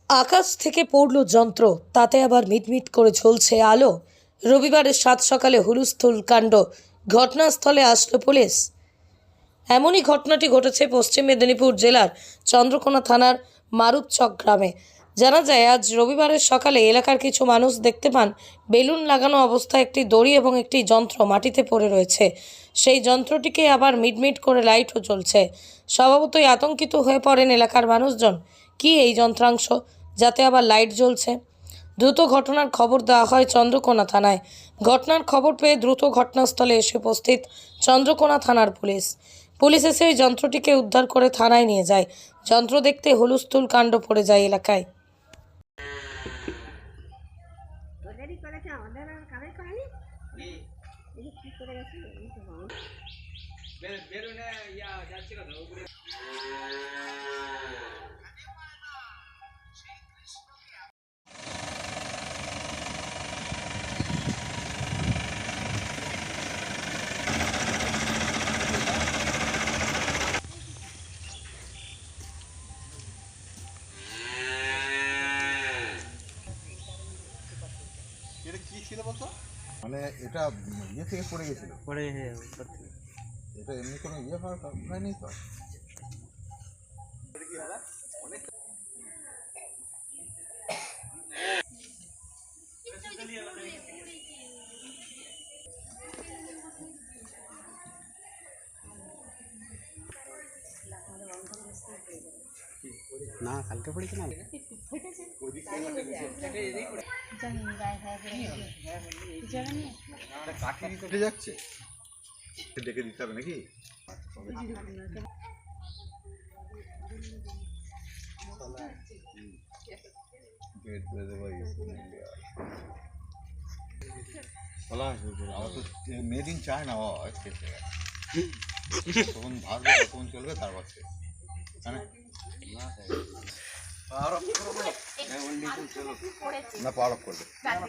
আকাশ থেকে পড়ল যন্ত্র, তাতে আবার মিটমিট করে ঝলছে আলো। রবিবারের সাত সকালে হুলস্থুল কাণ্ড, ঘটনাস্থলে আসলো পুলিশ। এমনই ঘটনাটি ঘটেছে পশ্চিম মেদিনীপুর জেলার চন্দ্রকোনা থানার মারুতচক গ্রামে। জানা যায়, আজ রবিবারের সকালে এলাকার কিছু মানুষ দেখতে পান বেলুন লাগানো অবস্থায় একটি দড়ি এবং একটি যন্ত্র মাটিতে পড়ে রয়েছে। সেই যন্ত্রটিকে আবার মিটমিট করে লাইটও জ্বলছে। স্বভাবতই আতঙ্কিত হয়ে পড়েন এলাকার মানুষজন। কি এই যন্ত্রাংশ, যাতে আবার লাইট জ্বলছে? দ্রুত ঘটনার খবর দেওয়া হয় চন্দ্রকোনা থানায়। ঘটনার খবর পেয়ে দ্রুত ঘটনাস্থলে এসে উপস্থিত চন্দ্রকোনা থানার পুলিশ। পুলিশ এসে ওই যন্ত্রটিকে উদ্ধার করে থানায় নিয়ে যায়। যন্ত্র দেখতে হুলস্থুল কাণ্ড পড়ে যায় এলাকায়। এটা কি ছিল বলতো? মানে এটা ইয়ে থেকে পড়ে গেছিল, পরে এটা এমনি কোনো ইয়ে হয়নি তো। না কালকে পড়েছে না উঠে যাচ্ছে, ডেকে দিতে হবে নাকি? আমার তো মেড ইন চায়না হয়, তখন ভাববে তখন চলবে, তারপর না পাওয়ার অফ করবে।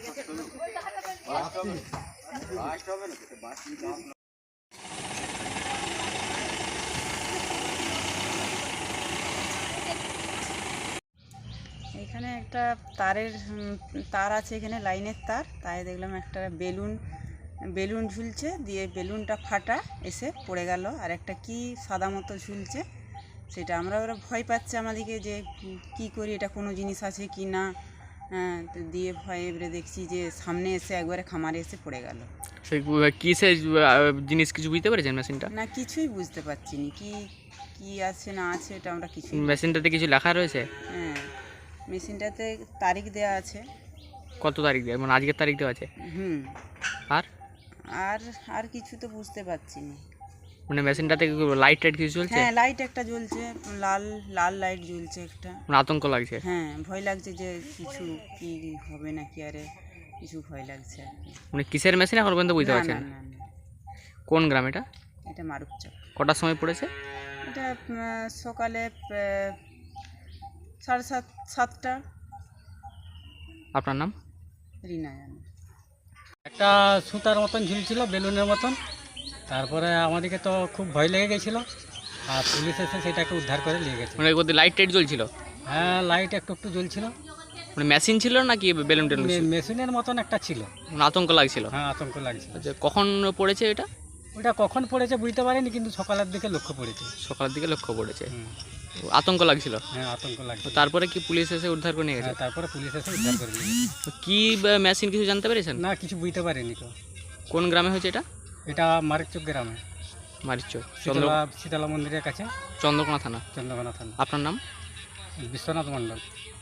এখানে একটা তার আছে, এখানে লাইনের তার, তাই দেখলাম একটা বেলুন ঝুলছে, দিয়ে বেলুনটা ফাটা এসে পড়ে গেল। আর একটা কি সাদা মতো ঝুলছে, সেটা ওরা ভয় পাচ্ছে আমাদেরকে যে কি করি, এটা কোনো জিনিস আছে কি না। তো দিয়ে ভয়ে এবারে দেখছি যে সামনে এসে একবারে খামারে এসে পড়ে গেল। সেই কিসের জিনিস কিছু বুঝতে পেরেছেন মেশিনটা? না, কিছুই বুঝতে পারছি না কি আছে না আছে, এটা আমরা কিছু। মেশিনটাতে কিছু লেখা রয়েছে? হ্যাঁ, মেশিনটাতে তারিখ দেওয়া আছে। কত তারিখ দেওয়া, মানে আজকের তারিখ দেওয়া আছে? হুম। আর আর আর কিছু তো বুঝতে পারছি না। মানে মেশিনটাতে লাইট টাইট কিছু চলছে? হ্যাঁ, লাইট একটা জ্বলছে, লাল লাল লাইট জ্বলছে একটা। মানে আতঙ্ক লাগছে? হ্যাঁ, ভয় লাগছে যে কিছু কি হবে নাকি, আরে কিছু ভয় লাগছে আর কি। মানে কিসের মেশিন এখন পর্যন্ত বুঝতে না, পারছেন? না, না, না, কোন গ্রাম এটা? এটা মারুপচক। কটার সময় পড়েছে? এটা সকালে 7:30-7টা। আপনার নাম? রিনা জানে। একটা সুতার মতন ঝুলছিল, বেলুনের মতন। তারপরে আমাদেরকে তো খুব ভয় লেগে গেছিলো, আর পুলিশ এসে সেটাকে উদ্ধার করে নিয়ে গেছে। মানে ওদের লাইট টাইট জ্বলছিল? হ্যাঁ, লাইট একটু একটু জ্বলছিল। মানে মেশিন ছিল নাকি বেলুন টেলুন? মেশিনের মতন একটা ছিল। মানে আতঙ্ক লাগছিল? হ্যাঁ, আতঙ্ক লাগছিল। আচ্ছা, কখন পড়েছে এটা? ওটা কখন পড়েছে বুঝতে পারিনি, কিন্তু সকালের দিকে লক্ষ্য পড়েছে। সকালের দিকে লক্ষ্য পড়েছে। হুম। আতঙ্ক লাগছিল? হ্যাঁ, আতঙ্ক তো লাগছিল। তারপরে কি পুলিশ এসে উদ্ধার করে নিয়ে গেছে? হ্যাঁ, তারপরে পুলিশ এসে উদ্ধার করে নিয়ে গেছে। তো কি মেশিন কিছু জানতে পেরেছেন? না, কিছু বুঝতে পারিনি তো। কোন গ্রামে হয়েছে এটা? এটা মারিচক গ্রামে, মারিচক, শীতলা মন্দিরের কাছে, চন্দ্রকোনা থানা। চন্দ্রকোনা থানা। আপনার নাম? বিশ্বনাথ মণ্ডল।